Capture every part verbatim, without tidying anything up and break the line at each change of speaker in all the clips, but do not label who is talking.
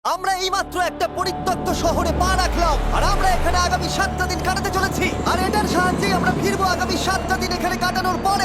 আমরা এইমাত্র একটা পরিত্যক্ত শহরে পা রাখলাম আর আমরা এখানে আগামী সাতটা দিন কাটাতে চলেছি আর এটার সাহায্যে আমরা ফিরবো আগামী সাতটা দিন এখানে কাটানোর পরে।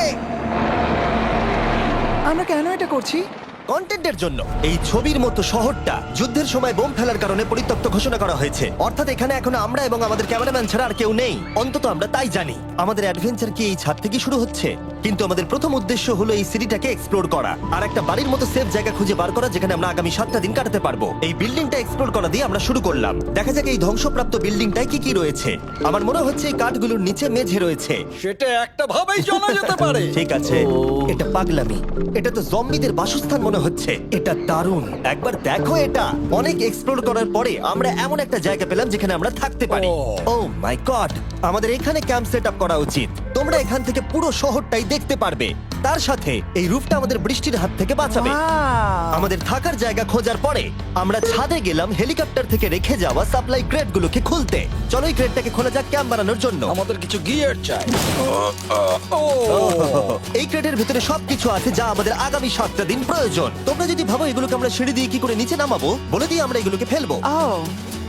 আমরা কেন এটা করছি?
কন্টেন্টের জন্য। এই ছবির মতো শহরটা যুদ্ধের সময় বোম ফেলার কারণে পরিত্যক্ত ঘোষণা করা হয়েছে, অর্থাৎ এখানে এখন আমরা এবং আমাদের ক্যামেরাম্যান ছাড়া আর কেউ নেই। অন্তত আমরা তাই জানি। আমাদের অ্যাডভেঞ্চার কি এই ছাদ থেকে শুরু হচ্ছে? কিন্তু আমাদের প্রথম উদ্দেশ্য হলো এই সিটিটাকে এক্সপ্লোর করা আর একটা বাড়ির মতো সেফ জায়গা খুঁজে বার করা যেখানে আমরা আগামী সাতটা দিন কাটাতে পারবো। এই বিল্ডিংটা এক্সপ্লোর করা দিয়ে আমরা শুরু করলাম। দেখা যাক এই ধ্বংসপ্রাপ্ত বিল্ডিংটায় কি কি রয়েছে। আমার মনে হচ্ছে এই কাঠগুলোর নিচে মেঝে রয়েছে।
সেটা একটা ভাবেই জানা যেতে পারে।
ঠিক আছে, এটা পাগলামি। এটা তো জম্বিদের বাসস্থান মনে হচ্ছে। এটা দারুণ, একবার দেখো এটা। অনেক এক্সপ্লোর করার পরে আমরা এমন একটা জায়গা পেলাম যেখানে আমরা থাকতে পারি। ও মাই গড, আমাদের এখানে ক্যাম্প সেট আপ করা উচিত। তোমরা এখান থেকে পুরো শহরটাই দেখতে পারবে। তার সাথে এই রুফটা আমাদের বৃষ্টির হাত থেকে বাঁচাবে।
Wow!
আমাদের থাকার জায়গা খোঁজার পরে আমরা ছাদে গেলাম হেলিকপ্টার থেকে রেখে যাওয়া সাপ্লাই ক্রেটগুলোকে খুলতে। চলো এই ক্রেটটাকে খোলা যাক ক্যাম্প বানানোর জন্য।
আমাদের কিছু গিয়ার চাই। ও
এই ক্রেটের ভিতরে সবকিছু আছে যা আমাদের আগামী সাতটা দিন প্রয়োজন। তোমরা যদি ভাবো এগুলোকে আমরা সিঁড়ি দিয়ে কি করে নিচে নামাবো, বলে দিয়ে আমরা এগুলোকে ফেলবো।
Oh!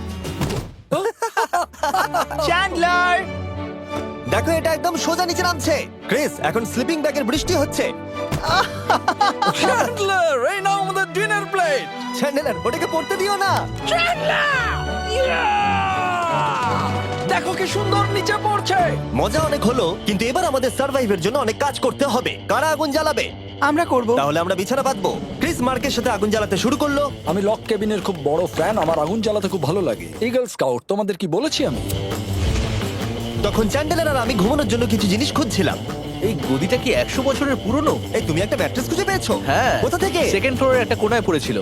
চ্যান্ডলার!
দেখো এটা একদম সোজা নিচে নামছে। ক্রিস, এখন স্লিপিং ব্যাগের বৃষ্টি হচ্ছে।
চ্যান্ডলার, এই নাও আমাদের ডিনার প্লেট।
চ্যান্ডেলার, ওটাকে পড়তে দিও না।
দেখো কি সুন্দর নিচে পড়ছে।
মজা অনেক হলো, কিন্তু এবার আমাদের সার্ভাইভের জন্য অনেক কাজ করতে হবে। কারা আগুন জ্বালাবে?
আমরা করব।
তাহলে আমরা বিছানা বাঁধবো। ক্রিস মার্কের সাথে আগুন জ্বালাতে শুরু করলো।
আমি লক কেবিনের খুব বড় ফ্যান, আমার আগুন জ্বালাতে খুব ভালো লাগে। ইগল স্কাউট, তোমাদের কি বলেছি আমি?
তখন চ্যান্ডেলার আর আমি ঘুমানোর জন্য কিছু জিনিস খুঁজছিলাম।
এই গদিটা কি একশো বছরের পুরনো?
এই তুমি একটা ম্যাট্রেস খুঁজে পেয়েছো?
হ্যাঁ।
কোথা থেকে?
সেকেন্ড ফ্লোরের একটা কোণায় পড়েছিল।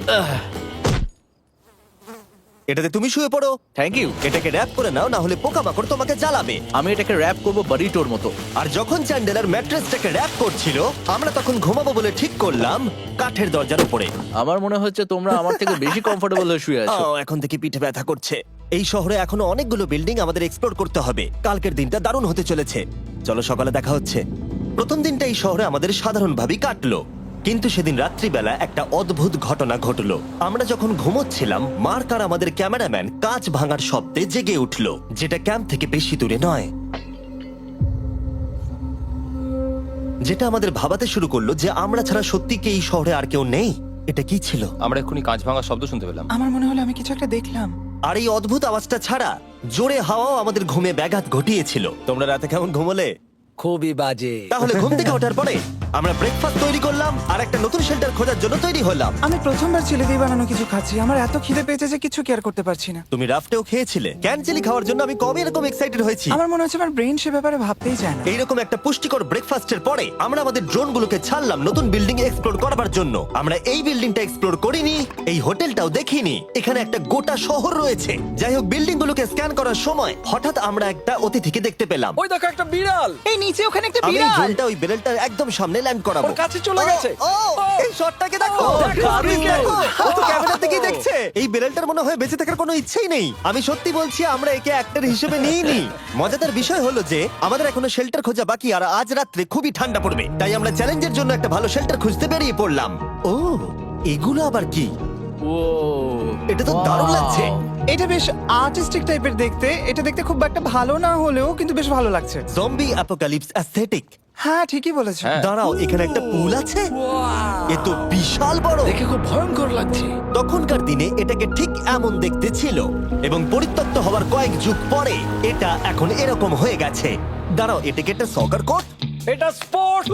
এটাতে তুমি শুয়ে পড়ো।
Thank you.
এটাকে র‍্যাপ করে নাও, না হলে পোকামাকড় তোমাকে জ্বালাবে।
আমি এটাকে র‍্যাপ করব বারিটোর মতো।
আর যখন চ্যান্ডেলার ম্যাট্রেসটাকে র‍্যাপ করছিল, আমরা তখন ঘুমাবো বলে ঠিক করলাম কাঠের দরজার উপরে।
আমার মনে হচ্ছে তোমরা আমার থেকে বেশি কমফোর্টেবল হয়ে শুয়ে আছো।
আহ, এখন থেকে পিঠে ব্যথা করছে। এই শহরে এখনো অনেকগুলো বিল্ডিং আমাদের এক্সপ্লোর করতে হবে। কালকের দিনটা দারুণ হতে চলেছে। চলো সকালে দেখা হচ্ছে। প্রথম দিনটা এই শহরে আমাদের সাধারণভাবেই কাটলো, কিন্তু সেদিন রাত্রিবেলা একটা অদ্ভুত ঘটনা ঘটলো। আমরা যখন ঘুমোচ্ছিলাম, মার্ক আর আমাদের ক্যামেরাম্যান কাঁচ ভাঙার শব্দে জেগে উঠলো, যেটা ক্যাম্প থেকে বেশি দূরে নয়। যেটা আমাদের ভাবাতে শুরু করলো যে আমরা ছাড়া সত্যি কি এই শহরে আর কেউ নেই। এটা কি ছিল?
আমরা এক্ষুনি কাঁচ ভাঙার শব্দ শুনতে পেলাম।
আমার মনে হলো আমি কিছু একটা দেখলাম।
আর এই অদ্ভুত আওয়াজটা ছাড়া জোরে হাওয়াও আমাদের ঘুমে ব্যাঘাত ঘটিয়েছিল। তোমরা রাতে কেমন ঘুমোলে?
খুবই বাজে।
তাহলে ঘুম থেকে ওঠার পরে আমরা ব্রেকফাস্ট তৈরি করলাম আর একটা নতুন শেল্টার খোঁজার জন্য তৈরি হলাম।
আমি প্রথমবার ছেলে দিয়ে বানানো কিছু খাচ্ছি। আমার এত খিদে পেয়েছে যে কিছু কেয়ার করতে পারছি না।
তুমি রাফটেও খেয়েছিলে। ক্যানচেলি খাওয়ার জন্য আমি কবে এরকম এক্সাইটেড হয়েছি।
আমার মনে হচ্ছে আমার ব্রেন সে ব্যাপারে ভাবতেই চায় না।
এইরকম একটা পুষ্টিকর ব্রেকফাস্টের পরে আমরা আমাদের ড্রোনগুলোকে ছাড়লাম নতুন বিল্ডিং এক্সপ্লোর করার জন্য। আমরা এই বিল্ডিংটা এক্সপ্লোর করিনি, এই হোটেলটাও দেখিনি। এখানে একটা গোটা শহর রয়েছে। যাই হোক, বিল্ডিং গুলোকে স্ক্যান করার সময় হঠাৎ আমরা একটা অতিথিকে দেখতে পেলাম।
ওই দেখো একটা বিড়াল।
এই নিচে ওখানে একটা
আমি এই
বিড়াল।
ড্রোনটা ওই বেরেলটার একদম সামনে ল্যান্ড করাবো।
ওর কাছে চলে
ও,
গেছে।
ও,
ও,
এই শটটাকে দেখো।
ও, দেখো,
দারুণ,
দেখো।
দেখো। ও তো ক্যামেরা থেকেই দেখছে। এই বেরেলটার মনে হয় বেঁচে থাকার কোনো ইচ্ছেই নেই। আমি সত্যি বলছি, আমরা একে অ্যাক্টর হিসেবে নিইনি। মজাদার বিষয় হলো যে আমাদের এখনো শেল্টার খোঁজা বাকি, আর আজ রাত্রে খুবই ঠান্ডা পড়বে। তাই আমরা চ্যালেঞ্জের জন্য একটা ভালো শেল্টার খুঁজতে বেরিয়ে পড়লাম। ও, এগুলো আবার কি?
ও,
এটা তো দারুণ লাগছে।
এটা বেশ আর্টিস্টিক টাইপের দেখতে। এটা দেখতে খুব একটা ভালো না হলেও কিন্তু বেশ ভালো লাগছে।
Zombie apocalypse aesthetic.
হ্যাঁ, ঠিকই বলেছো।
হ্যাঁ।
দাঁড়াও, এখানে একটা পুল আছে। এ তো বিশাল বড়।
দেখে খুব ভয়ঙ্কর লাগছে।
তখনকার দিনে এটাকে ঠিক এমন দেখতে ছিল, এবং পরিত্যক্ত হওয়ার কয়েক যুগ পরে এটা এখন এরকম হয়ে গেছে। দাঁড়াও, এটাকে একটা সকার কোর্ট?
এটা স্পোর্ট।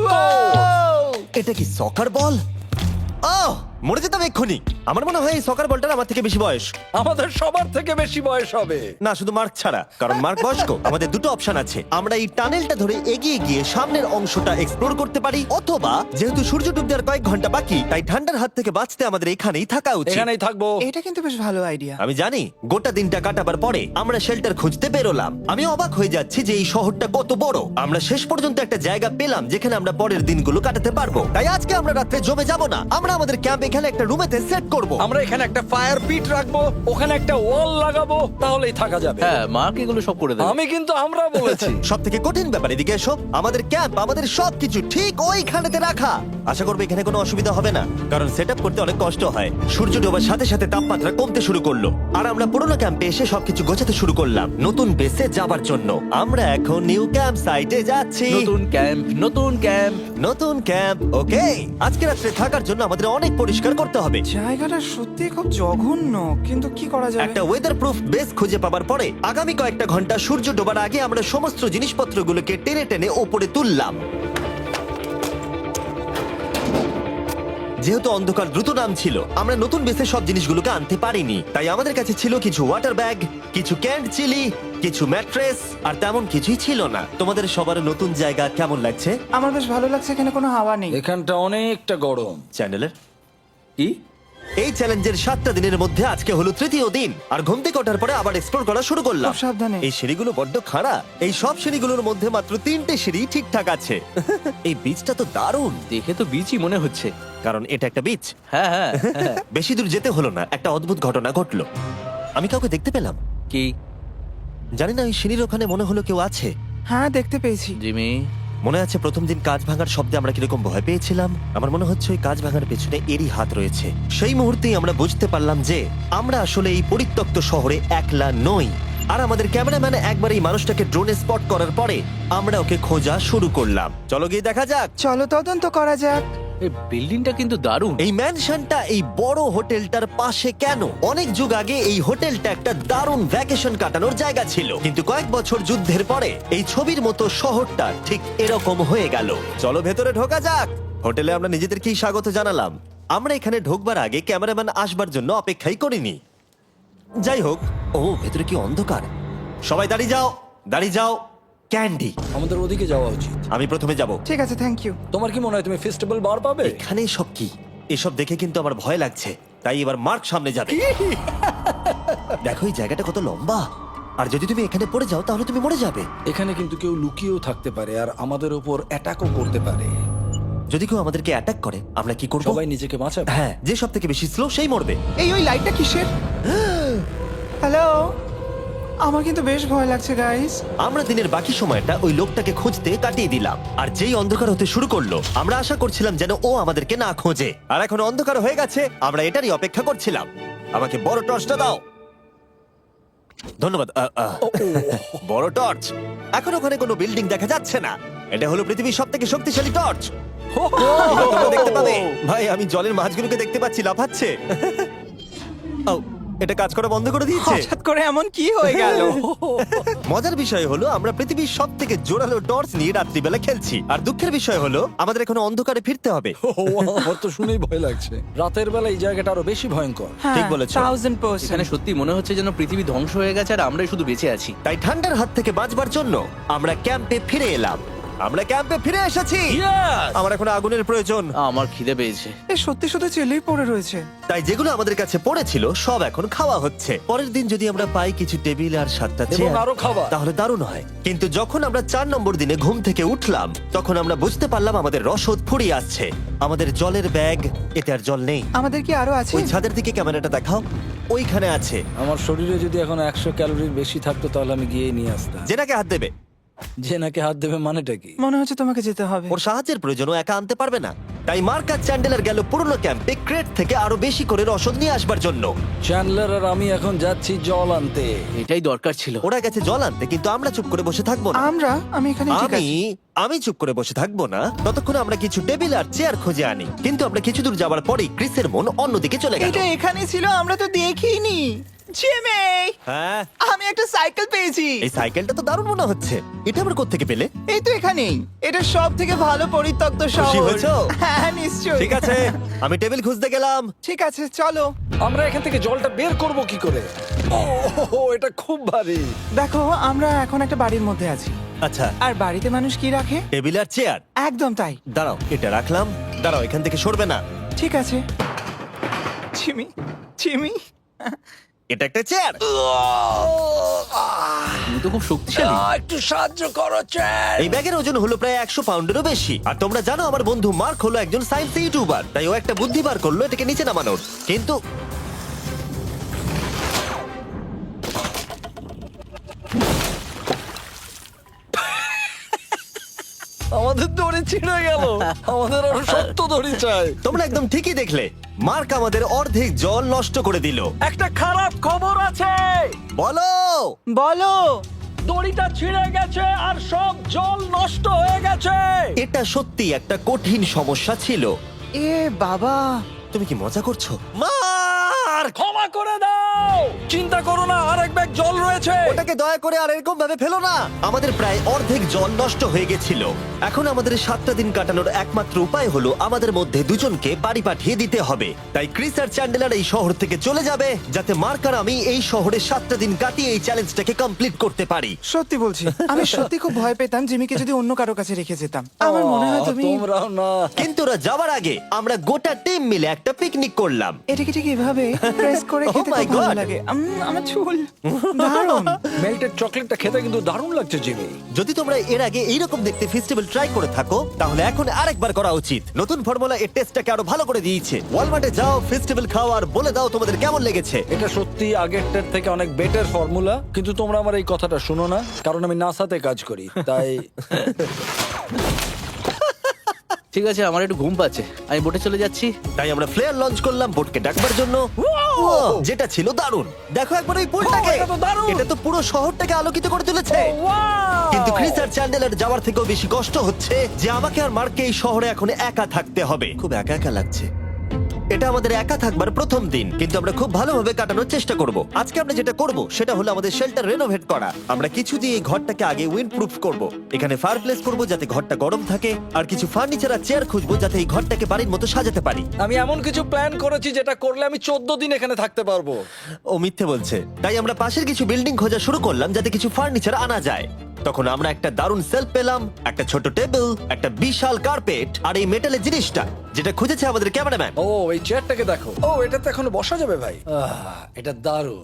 এটা কি সকার বল? আহ, মরে যেতাম এক্ষুনি। আমার মনে হয় এই সকার বলটার আমার থেকে বেশি বয়স।
আমাদের সবার থেকে বেশি বয়স হবে।
না, শুধু মার্ক ছাড়া, কারণ মার্ক বয়স্ক। আমাদের দুটো অপশন আছে। আমরা এই টানেলটা ধরে এগিয়ে গিয়ে সামনের অংশটা এক্সপ্লোর করতে পারি, অথবা যেহেতু সূর্য ডুবতে আর কয়েক ঘন্টা বাকি, তাই ঠান্ডার হাত থেকে বাঁচতে আমাদের এখানেই থাকা উচিত।
এখানেই থাকবো।
এটা কিন্তু বেশ ভালো আইডিয়া।
আমি জানি। গোটা দিনটা কাটাবার পরে আমরা শেল্টার খুঁজতে বেরোলাম। আমি অবাক হয়ে যাচ্ছি যে এই শহরটা কত বড়। আমরা শেষ পর্যন্ত একটা জায়গা পেলাম যেখানে আমরা পরের দিনগুলো কাটাতে পারবো। তাই আজকে আমরা রাত্রে জমে যাব না। আমরা আমাদের ক্যাম্প এখানে একটা রুমেতে সেট করব।
আমরা এখানে একটা ফায়ার পিট রাখবো, ওখানে একটা ওয়াল লাগাবো, তাহলেই থাকা যাবে।
হ্যাঁ মার্ক এগুলো সব করে দেবে।
আমি কিন্তু আমরা বলেছি।
সব থেকে কঠিন ব্যাপার, এদিকে এসো। আমাদের ক্যাম্প, আমাদের সবকিছু ঠিক ওইখানেতে রাখা। আশা করবো এখানে কোনো অসুবিধা হবে না, কারণ সেট করতে অনেক কষ্ট হয়। সূর্য ডোবার সাথে সাথে তাপমাত্রা কমতে শুরু করলো, আর আমরা পুরোনো ক্যাম্পে এসে সবকিছু গোছাতে শুরু করলাম নতুন বেসে যাবার জন্য। আমরা এখন নিউ ক্যাম্প সাইটে যাচ্ছি।
নতুন ক্যাম্প, নতুন ক্যাম্প।
নতুন ক্যাম্প, ওকে। আজকে রাত্রে থাকার জন্য আমাদের অনেক পরিষ্কার করতে হবে।
জায়গাটা সত্যি খুব জঘন্য, কিন্তু কি করা যাবে?
একটা ওয়েদার প্রুফ বেস খুঁজে পাবার পরে আগামী কয়েকটা ঘন্টা সূর্য ডোবার আগে আমরা সমস্ত জিনিসপত্রগুলোকে টেনে টেনে ওপরে তুললাম। যেহেতু অন্ধকার দ্রুত নাম ছিল, আমরা নতুন বেসে সব জিনিসগুলোকে আনতে পারিনি, তাই আমাদের কাছে ছিল কিছু ওয়াটার ব্যাগ, কিছু ক্যান্ড চিলি, কিছু ম্যাট্রেস, আর তেমন কিছুই ছিল না। তোমাদের সবার নতুন জায়গা কেমন লাগছে?
আমার বেশ ভালো লাগছে, এখানে কোনো হাওয়া নেই।
এখানটা অনেকটা গরম।
চ্যানেলের
কি?
এই চ্যালেঞ্জের সাতটা দিনের মধ্যে আজকে হলো তৃতীয় দিন, আর ঘুম থেকে ওঠার পরে আবার এক্সপ্লোর করা শুরু করলাম।
খুব সাবধানে।
এই সিঁড়িগুলো বড্ড খাড়া। এই সব সিঁড়িগুলোর মধ্যে মাত্র তিনটে সিঁড়ি ঠিকঠাক আছে। এই বীজটা তো দারুণ,
দেখে তো বিচই মনে হচ্ছে।
কারণ এটা একটা বীজ।
হ্যাঁ হ্যাঁ হ্যাঁ।
বেশি দূর যেতে হলো না, একটা অদ্ভুত ঘটনা ঘটলো। আমি কাউকে দেখতে পেলাম,
কি?
জানি না, ওই সিঁড়ির ওখানে মনে হলো কেউ আছে।
হ্যাঁ, দেখতে পেয়েছি।
জিমি,
মনে আছে প্রথম দিন কাঁচ ভাঙার শব্দে আমরা কিরকম ভয় পেয়েছিলাম? আমার মনে হচ্ছে ওই কাঁচ ভাঙার পেছনে এরই হাত রয়েছে। সেই মুহূর্তেই আমরা বুঝতে পারলাম যে আমরা আসলে এই পরিত্যক্ত শহরে একলা নই। আর আমাদের ক্যামেরাম্যান একবার এই মানুষটাকে ড্রোনে স্পট করার পরে আমরা ওকে খোঁজা শুরু করলাম। চলো গিয়ে দেখা যাক।
চলো তদন্ত করা যাক।
এই বিল্ডিংটা কিন্তু দারুণ।
এই ম্যানশনটা এই বড় হোটেলটার পাশে কেন? অনেক যুগ আগে এই হোটেলটা একটা দারুণ ভ্যাকেশন কাটানোর জায়গা ছিল, কিন্তু কয়েক বছর যুদ্ধের পরে এই ছবির মতো শহরটা ঠিক এরকম হয়ে গেল। চলো ভেতরে ঢোকা যাক। হোটেলে আমরা নিজেদেরকেই স্বাগত জানালাম। আমরা এখানে ঢোকবার আগে ক্যামেরাম্যান আসবার জন্য অপেক্ষাই করিনি। যাই হোক, ও ভেতরে কি অন্ধকার। সবাই দাঁড়িয়ে যাও, দাঁড়িয়ে যাও। ক্যান্ডি,
আমাদের ওদিকে যাওয়া উচিত।
আমি প্রথমে যাব।
ঠিক আছে, থ্যাংক ইউ।
তোমার কি মনে হয় তুমি ফেস্টিভ্যাল বার পাবে?
এখানে সব কি? এসব দেখে কিন্তু আমার ভয় লাগছে, তাই এবার মার্ক সামনে যাবে। দেখো এই জায়গাটা কত লম্বা, আর যদি তুমি এখানে পড়ে যাও তাহলে তুমি মরে যাবে।
এখানে কিন্তু কেউ লুকিয়েও থাকতে পারে আর আমাদের উপর অ্যাটাকও করতে পারে।
যদি কেউ আমাদেরকে অ্যাটাক করে আমরা কি করব?
সবাই নিজেকে বাঁচাবে।
হ্যাঁ, যে সব থেকে বেশি স্লো সেই মরবে।
এই ওই লাইটটা কিসের? হ্যালো, আমার কিন্তু বেশ ভয় লাগছে গাইস।
আমরা দিনের বাকি সময়টা ওই লোকটাকে খুঁজতে কাটিয়ে দিলাম, আর যেই অন্ধকার হতে শুরু করলো আমরা আশা করছিলাম যেন ও আমাদেরকে না খোঁজে। আর এখন অন্ধকার হয়ে গেছে, আমরা এটারই অপেক্ষা করছিলাম। আমাকে বড় টর্চটা দাও। ধন্যবাদ। আ, আ। বড় টর্চ। এখন ওখানে কোনো বিল্ডিং দেখা যাচ্ছে না। এটা হলো পৃথিবীর সব থেকে শক্তিশালী টর্চ। তোমরা দেখতে পাবে। ভাই, আমি জলের মাছগুলোকে দেখতে পাচ্ছি লাফাচ্ছে। ও, এটা কাজ করা বন্ধ করে দিয়েছে।
হঠাৎ করে এমন কি হয়ে গেল?
মজার বিষয় হলো আমরা পৃথিবীর সব থেকে জোরালো টর্চ নিয়ে রাত্রিবেলা খেলছি, আর দুঃখের বিষয় হলো আমাদের এখন অন্ধকারে ফিরতে হবে।
ও, আমার তো শুনেই ভয় লাগছে। রাতের বেলা এই জায়গাটা আরো বেশি ভয়ঙ্কর।
ঠিক বলেছো।
থাউজেন্ড
এখানে
পার্সেন্ট।
সত্যি মনে হচ্ছে যেন পৃথিবী ধ্বংস হয়ে গেছে আর আমরাই শুধু বেঁচে আছি।
তাই ঠান্ডার হাত থেকে বাঁচবার জন্য আমরা ক্যাম্পে ফিরে এলাম। আমরা ক্যাম্পে ফিরে এসেছি। আমার এখন আগুনের প্রয়োজন।
আমার খিদে পেয়েছে।
এ সত্যি শুধু চেলেই পড়ে রয়েছে।
তাই যেগুলো আমাদের কাছে পড়েছিল সব এখন খাওয়া হচ্ছে। পরের দিন যদি আমরা পাই কিছু টেবিল আর সাতটা
এবং
চেয়ার,
আরো খাবার।
তাহলে দারুণ হয়। কিন্তু যখন আমরা চার নম্বর দিনে ঘুম থেকে উঠলাম তখন আমরা বুঝতে পারলাম আমাদের রসদ ফুরিয়ে আসছে। আমাদের জলের ব্যাগ, এতে আর জল নেই।
আমাদের কি আরো আছে?
ওই ছাদের দিকে ক্যামেরাটা দেখাও, ওইখানে আছে।
আমার শরীরে যদি এখন একশো ক্যালোরির বেশি থাকতো তাহলে আমি গিয়ে নিয়ে আসতাম।
জেনাকে হাত দেবে।
যে নাকি হাত দেবে মানেটা কি?
মনে হচ্ছে তোমাকে যেতে হবে।
ওর সাহায্যের প্রয়োজন, ও একা আনতে পারবে না। তাই মার্ক আর চ্যান্ডেলার গেল পুরনো ক্যাম্পে ক্রেট থেকে আরো বেশি করে রসদ নিয়ে আসবার জন্য।
চ্যান্ডলার আর আমি এখন যাচ্ছি জল আনতে।
এটাই দরকার ছিল।
ওরা গেছে জল আনতে, কিন্তু আমরা চুপ করে বসে থাকবো না।
আমরা আমি এখানে ঠিক
আমি
আছি।
আমি চুপ করে বসে থাকবো না ততক্ষণ আমরা কিছু টেবিল আর চেয়ার খুঁজে আনি। কিন্তু আমরা কিছু দূর যাবার পরেই ক্রিসের মন অন্যদিকে চলে গেল।
এটা এখানে ছিল, আমরা তো দেখিনি। জিমি,
হ্যাঁ,
আমি একটা সাইকেল পেয়েছি।
এই সাইকেলটা তো দারুণ মনে হচ্ছে। এটা আবার কোত্থেকে পেলে?
এই তো এখানেই। এটা সব থেকে ভালো পরিত্যক্ত
খুশি
শহর।
হয়েছো?
হ্যাঁ, নিশ্চয়ই।
ঠিক আছে, আমি টেবিল খুঁজতে গেলাম।
ঠিক আছে, চলো।
আমরা এখান থেকে জলটা বের করব কি করে? ও, এটা খুব ভারী।
দেখো, আমরা এখন একটা বাড়ির মধ্যে আছি।
আচ্ছা,
আর বাড়িতে মানুষ কি রাখে?
টেবিল আর চেয়ার।
একদম তাই।
দাঁড়াও, এটা রাখলাম। দাঁড়াও, এখান থেকে সরবে না।
ঠিক আছে। চিমি, চিমি,
এটা একটা চেয়ার।
তুমি তো খুব শক্তিশালী।
একটু সাহায্য করো চ্যান।
এই ব্যাগের ওজন হলো প্রায় একশো পাউন্ডেরও বেশি। আর তোমরা জানো আমার বন্ধু মার্ক হলো একজন সায়েন্স ইউটিউবার, তাই ও একটা বুদ্ধি বার করলো এটাকে নিচে নামানোর। কিন্তু
আমাদের দড়ি ছিঁড়ে গেল। আমাদের আরো শক্ত দড়ি চাই।
তোমরা একদম ঠিকই দেখলে, মার্ক আমাদের অর্ধেক জল নষ্ট করে দিল।
একটা খারাপ খবর আছে,
বলো।
বলো।
দড়িটা ছিঁড়ে গেছে আর সব জল নষ্ট হয়ে গেছে।
এটা সত্যি একটা কঠিন সমস্যা ছিল।
এ বাবা।
তুমি কি মজা করছো? মার্ক,
ক্ষমা করে দাও। চিন্তা করো না, আরেক ব্যাগ জল রয়েছে।
ওটাকে দয়া করে আর এরকম ভাবে ফেলো না। আমাদের প্রায় অর্ধেক জল নষ্ট হয়ে গেছিল। এখন আমাদের সাতটা দিন কাটানোর একমাত্র উপায় হলো আমাদের মধ্যে দুজনকে বাড়ি পাঠিয়ে দিতে হবে। তাই ক্রিস আর চ্যান্ডেলার এই শহর থেকে চলে যাবে, যাতে মার্ক আর আমি এই শহরে সাতটা দিন কাটিয়ে এই চ্যালেঞ্জটাকে কমপ্লিট করতে পারি।
সত্যি বলছি, আমি সত্যি খুব ভয় পেতাম জিমিকে যদি অন্য কারো কাছে রেখে যেতাম। আমার মনে হয় তুমি
তোমরাও না।
কিন্তু ওরা যাওয়ার আগে আমরা গোটা টিম মিলে একটা পিকনিক করলাম।
এটাকে ঠিক এভাবে প্রেস করে
Oh
খেতে
my
খুব ভালো
God!
লাগে। উম, আমার চুল দারুণ।
মেল্টেড চকলেটটা খেতে কিন্তু দারুণ লাগছে জিমি।
যদি তোমরা এর আগে এইরকম দেখতে ফেস্টিভ্যাল ট্রাই করে থাকো, তাহলে এখন আরেকবার করা উচিত। নতুন ফর্মুলা এর টেস্টটাকে আরো ভালো করে দিয়েছে। ওয়ালমার্টে যাও, ফেস্টিভ্যাল খাও আর বলে দাও তোমাদের কেমন লেগেছে।
এটা সত্যি আগেরটার থেকে অনেক বেটার ফর্মুলা, কিন্তু তোমরা আমার এই কথাটা শুনো না, কারণ আমি নাসাতে কাজ করি, তাই
ঠিক আছে, আমার একটু ঘুম পাচ্ছে, আমি বোটে চলে যাচ্ছি।
তাই আমরা ফ্লেয়ার লঞ্চ করলাম বোটকে ডাকবার জন্য, যেটা ছিল দারুণ। দেখো একবার ওই পুলটাকে,
Wow, এটা তো দারুণ!
এটা তো পুরো শহরটাকে আলোকিত করে তুলেছে। কিন্তু ক্রিস আর চ্যান্ডেলার যাওয়ার থেকেও বেশি কষ্ট হচ্ছে যে আমাকে আর মার্ককে এই শহরে এখন একা থাকতে হবে। খুব একা একা লাগছে। এটা আমাদের একা থাকবার প্রথম দিন, কিন্তু আমরা খুব ভালোভাবে কাটানোর চেষ্টা করব। আজকে আমরা যেটা করব সেটা হলো আমাদের শেল্টার রেনোভেট করা। আমরা কিছু দিয়ে এই ঘরটাকে আগে উইন্ড প্রুফ করব। এখানে ফায়ারপ্লেস করব যাতে ঘরটা গরম থাকে, আর কিছু ফার্নিচার আর চেয়ার খুঁজবো যাতে এই ঘরটাকে বাড়ির মতো সাজাতে পারি।
আমি এমন কিছু প্ল্যান করেছি যেটা করলে আমি চোদ্দ দিন এখানে থাকতে পারবো।
ও মিথ্যে বলছে। তাই আমরা পাশের কিছু বিল্ডিং খোঁজা শুরু করলাম যাতে কিছু ফার্নিচার আনা যায়। তখন আমরা একটা দারুণ সেলফ পেলাম, একটা ছোট টেবিল, একটা বিশাল কার্পেট আর এই মেটালের জিনিসটা যেটা খুঁজেছে আমাদের ক্যামেরাম্যান।
ও এই চেয়ারটাকে দেখো। ও এটাতে এখনো বসা যাবে ভাই। আহ, এটা দারুণ।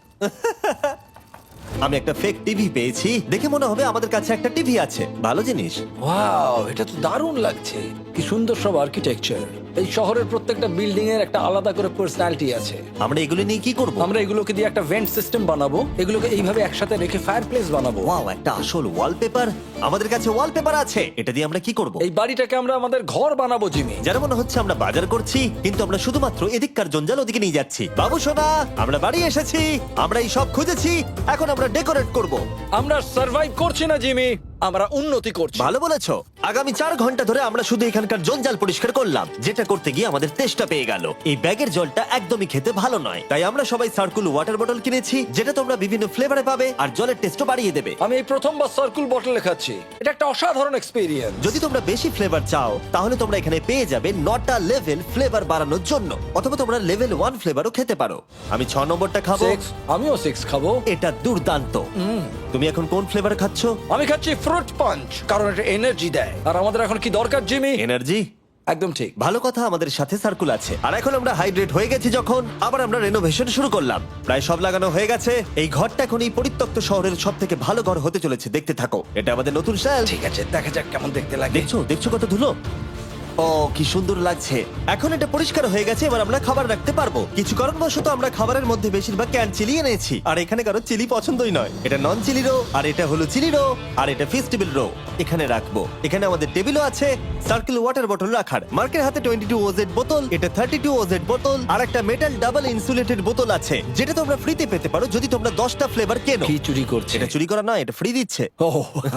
আমি একটা ফেক টিভি পেয়েছি, দেখে মনে হবে আমাদের কাছে একটা টিভি আছে। ভালো জিনিস।
ওয়াও, এটা তো দারুণ লাগছে। কি সুন্দর সব আর্কিটেকচার। এই শহরের প্রত্যেকটা বিল্ডিং এর একটা আলাদা করে পার্সোনালিটি আছে।
আমরা এগুলো নিয়ে কি করব?
আমরা এগুলোকে দিয়ে একটা ভেন্ট সিস্টেম বানাবো, এগুলোকে এইভাবে একসাথে রেখে ফায়ারপ্লেস বানাবো।
ওয়াও, একটা আসল ওয়ালপেপার। আমাদের কাছে ওয়ালপেপার আছে। এটা দিয়ে আমরা কি করব?
এই বাড়িটাকে আমরা আমাদের ঘর বানাবো জিমি।
যার মনে হচ্ছে আমরা বাজার করছি, কিন্তু আমরা শুধুমাত্র এদিককার জঞ্জাল ওদিকে নিয়ে যাচ্ছি। বাবু সোনা, আমরা বাড়ি এসেছি। আমরা এই সব খুঁজেছি, এখন আমরা ডেকোরেট করব।
আমরা সার্ভাইভ করছি না জিমি, আমরা উন্নতি করছি।
ভালো বলেছো। আগামী চার ঘন্টা ধরে আমরা শুধু এখানকার জঞ্জাল পরিষ্কার করলাম, যেটা করতে গিয়ে আমাদের তেষ্টা পেয়ে গেল। এই ব্যাগের জলটা একদমই খেতে ভালো নয়, তাই আমরা সবাই সার্কুল ওয়াটার বটল কিনেছি, যেটা তোমরা বিভিন্ন ফ্লেভারে পাবে আর জলের টেস্টও বাড়িয়ে দেবে।
আমি এই প্রথমবার সার্কুল বটলে খাচ্ছি, এটা একটা অসাধারণ এক্সপেরিয়েন্স।
যদি তোমরা বেশি ফ্লেভার চাও, তাহলে তোমরা এখানে পেয়ে যাবে নটা লেভেল ফ্লেভার বাড়ানোর জন্য, অথবা তোমরা লেভেল ওয়ান ফ্লেভারও খেতে পারো। আমি ছ নম্বরটা খাবো।
সিক্স, আমিও সিক্স খাবো।
এটা দুর্দান্ত। তুমি এখন কোন ফ্লেভার খাচ্ছ?
আমি খাচ্ছি ফ্রুট পাঞ্চ, কারণ এটা এনার্জি দেয়। আর আমাদের এখন কি দরকার জিমি?
এনার্জি।
একদম ঠিক।
ভালো কথা, আমাদের সাথে সার্কুল আছে। আর এখন আমরা হাইড্রেট হয়ে গেছি যখন, আবার আমরা রেনোভেশন শুরু করলাম। প্রায় সব লাগানো হয়ে গেছে। এই ঘরটা এখন এই পরিত্যক্ত শহরের সব থেকে ভালো ঘর হতে চলেছে। দেখতে থাকো, এটা আমাদের নতুন শেলফ।
ঠিক আছে, দেখা যাক কেমন দেখতে লাগে।
দেখছো দেখছো কত ধুলো। ও কি সুন্দর লাগছে। এখন এটা পরিষ্কার হয়ে গেছে, এবার আমরা খাবার রাখতে পারবো। কিছু কারণবশত আমরা খাবারের মধ্যে বেশিরভাগ ক্যান চিলি এনেছি, আর এখানে কারো চিলি পছন্দই নয়। এটা নন চিলি রো, আর এটা হলো চিলি রো, আর এটা ফেস্টিভ্যাল রো। এখানে রাখবো। এখানে আমাদের টেবিলও আছে, সার্কেল ওয়াটার বটল রাখার। মার্কের হাতে টোয়েন্টি টু ওজেড বোতল, এটা থার্টি টু ওজেড বোতল, আর একটা মেটাল ডাবল ইনসুলেটেড বোতল আছে, যেটা তোমরা ফ্রিতে পেতে পারো যদি তোমরা দশটা ফ্লেভার কেনো।
কি চুরি করছে?
এটা চুরি করা নয়, এটা ফ্রি দিচ্ছে।
ও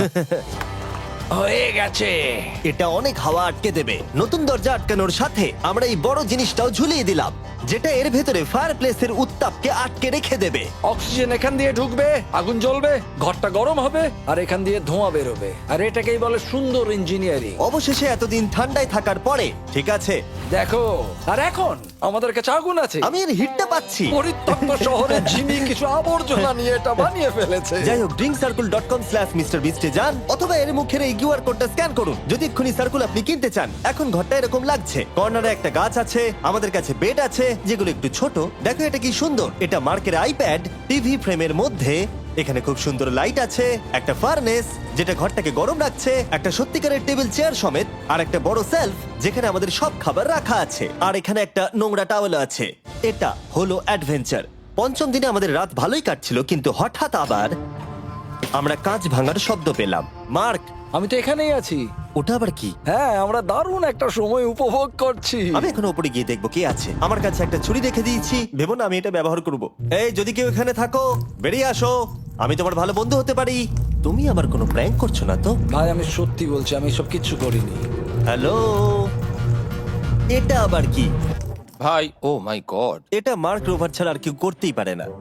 হয়ে গেছে।
এটা অনেক হাওয়া আটকে দেবে। নতুন দরজা আটকানোর সাথে আমরা এই বড় জিনিসটাও ঝুলিয়ে দিলাম, যেটা এর ভেতরে ফায়ারপ্লেসের উত্তাপকে আটকে রেখে দেবে।
অক্সিজেন এখান দিয়ে ঢুকবে, আগুন জ্বলবে, ঘরটা গরম হবে, আর এখান দিয়ে ধোঁয়া বেরোবে। আর এটাকেই বলে সুন্দর ইঞ্জিনিয়ারিং।
অবশেষে এতদিন ঠান্ডায় থাকার পরে ঠিক আছে।
দেখো, আর এখন আমাদের কাছে আগুন আছে।
আমি এর হিটটা পাচ্ছি।
পরিত্যক্ত শহরে জিমি কিছু আবর্জনা নিয়ে এটা বানিয়ে ফেলেছে।
যাই হোক, drink circle dot com slash mister বিস্টে যান, অথবা এর মুখের এই কিউআর কোডটা স্ক্যান করুন যদি এক্ষুনি সার্কুল আপনি কিনতে চান। এখন ঘরটা এরকম লাগছে। কর্নারে একটা গাছ আছে, আমাদের কাছে বেড আছে, যেগুলো একটু ছোট। দেখো এটা কি সুন্দর, এটা মার্কের আইপ্যাড টিভি ফ্রেমের মধ্যে। এখানে খুব সুন্দর লাইট আছে, একটা ফার্নেস যেটা ঘরটাকে গরম রাখছে, একটা সত্যিকারের টেবিল চেয়ার সমেত, আর একটা বড় সেলফ যেখানে আমাদের সব খাবার রাখা আছে, আর এখানে একটা নোংরা টাওয়েল আছে। এটা হলো অ্যাডভেঞ্চার। পঞ্চম দিনে আমাদের রাত ভালোই কাটছিল, কিন্তু হঠাৎ আবার আমরা কাঁচ ভাঙার শব্দ পেলাম। মার্ক,
আমি তো এখানেই আছি।
ওটা আবার কি?
হ্যাঁ, আমরা দারুণ একটা সময় উপভোগ করছি।
আমি এখন উপরে গিয়ে দেখবো কি আছে। আমার কাছে একটা ছুরি রেখে দিয়েছি, ভেবো না আমি এটা ব্যবহার করব। এই, যদি কেউ এখানে থাকো বেরিয়ে আসো, আমি তোমার ভালো বন্ধু হতে পারি। তুমি আমার কোনো প্র্যাঙ্ক করছো না তো?
ভাই, আমি সত্যি বলছি, আমি সব কিচ্ছু করিনি।
হ্যালো, এটা আবার কি?
ভাই, ও মাই গড।
এটা মার্ক রোভার ছাড়া আর কেউ করতেই পারে না।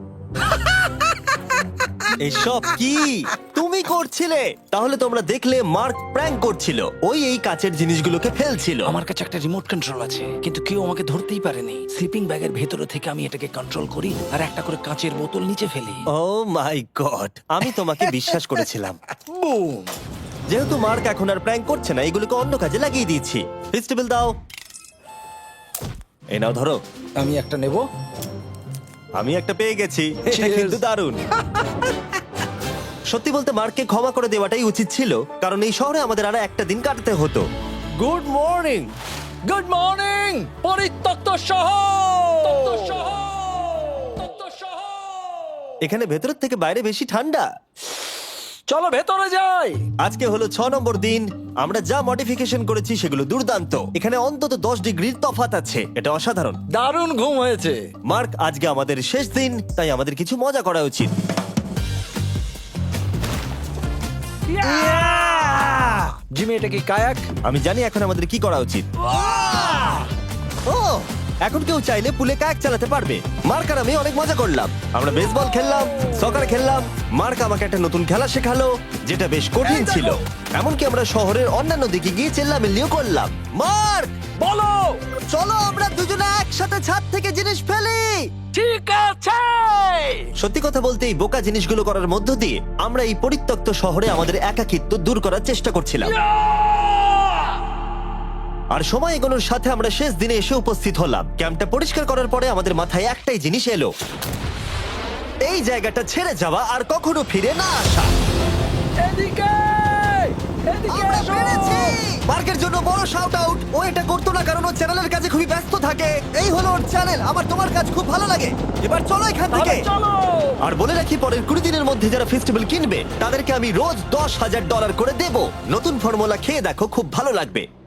এসব কি তুমি করছিলে? তাহলে তোমরা দেখলে মার্ক প্র্যাঙ্ক করছিল। ওই এই কাচের জিনিসগুলোকে ফেলছিল।
আমার কাছে একটা রিমোট কন্ট্রোল আছে, কিন্তু কেউ আমাকে ধরতেই পারেনি। স্লিপিং ব্যাগের ভেতরে থেকে আমি এটাকে কন্ট্রোল করি আর একটা করে কাঁচের বোতল নিচে ফেলি।
ও মাই গড, আমি তোমাকে বিশ্বাস করেছিলাম।
বুম!
যেহেতু মার্ক এখন আর প্র্যাঙ্ক করছে না, এগুলোকে অন্য কাজে লাগিয়ে দিয়েছি। ফেস্টিভ্যাল দাও। এই নাও, ধরো।
আমি একটা নেব।
আমি একটা পেয়ে গেছি। এটা
Cheers!
কিন্তু দারুণ। সত্যি বলতে মার্ককে ক্ষমা করে দেওয়াটাই উচিত ছিল, কারণ এই শহরে আমাদের আর একটা দিন কাটাতে হতো। Good morning.
গুড মর্নিং, পরিত্যক্ত শহর।
এখানে ভেতরের থেকে বাইরে বেশি ঠান্ডা।
চলো ভেতরে যাই।
আজকে হলো ছ নম্বর দিন। আমরা যা মডিফিকেশন করেছি সেগুলো দুর্দান্ত। এখানে অন্তত দশ ডিগ্রির তফাৎ আছে, এটা অসাধারণ।
দারুণ ঘুম হয়েছে।
মার্ক, আজকে আমাদের শেষ দিন, তাই আমাদের কিছু মজা করা উচিত।
জিমি, এটা কি কায়াক?
আমি জানি এখন আমাদের কি করা উচিত। ও, এখন কেউ চাইলে পুলে কায়াক চালাতে পারবে। মার্ক আর আমি অনেক মজা করলাম। আমরা বেসবল খেললাম, সকার খেললাম। মার্ক আমাকে একটা নতুন খেলা শেখালো, যেটা বেশ কঠিন ছিল। এমনকি আমরা শহরের অন্যান্য দিকে গিয়ে চেল্লামিল্লিও করলাম। মার্ক,
বলো।
চলো আমরা দুজনে একসাথে ছাদ থেকে জিনিস ফেলি।
ঠিক আছে।
সত্যি কথা বলতে এই বোকা জিনিসগুলো করার মধ্য দিয়ে আমরা এই পরিত্যক্ত শহরে আমাদের একাকিত্ব দূর করার চেষ্টা করছিলাম। আর সময় এগোনোর সাথে আমরা শেষ দিনে এসে উপস্থিত হলাম। ক্যাম্পটা পরিষ্কার করার পরে আমাদের মাথায় একটাই জিনিস এলো, এই জায়গাটা ছেড়ে যাওয়া আর কখনো ফিরে না আসা।
এদিকে, এদিকে
আমরা
এসো।
পেরেছি! মার্কের জন্য বড় শাউট আউট। ও এটা করতো না কারণ ও চ্যানেলের কাছে খুবই ব্যস্ত থাকে। এই হলো ওর চ্যানেল। আমার তোমার কাজ খুব ভালো লাগে। এবার চলো এখান থেকে।
তাহলে চলো।
আর বলে রাখি, পরের কুড়ি দিনের মধ্যে যারা ফেস্টিভ্যাল কিনবে তাদেরকে আমি রোজ দশ হাজার ডলার করে দেব। নতুন ফর্মুলা খেয়ে দেখো, খুব ভালো লাগবে।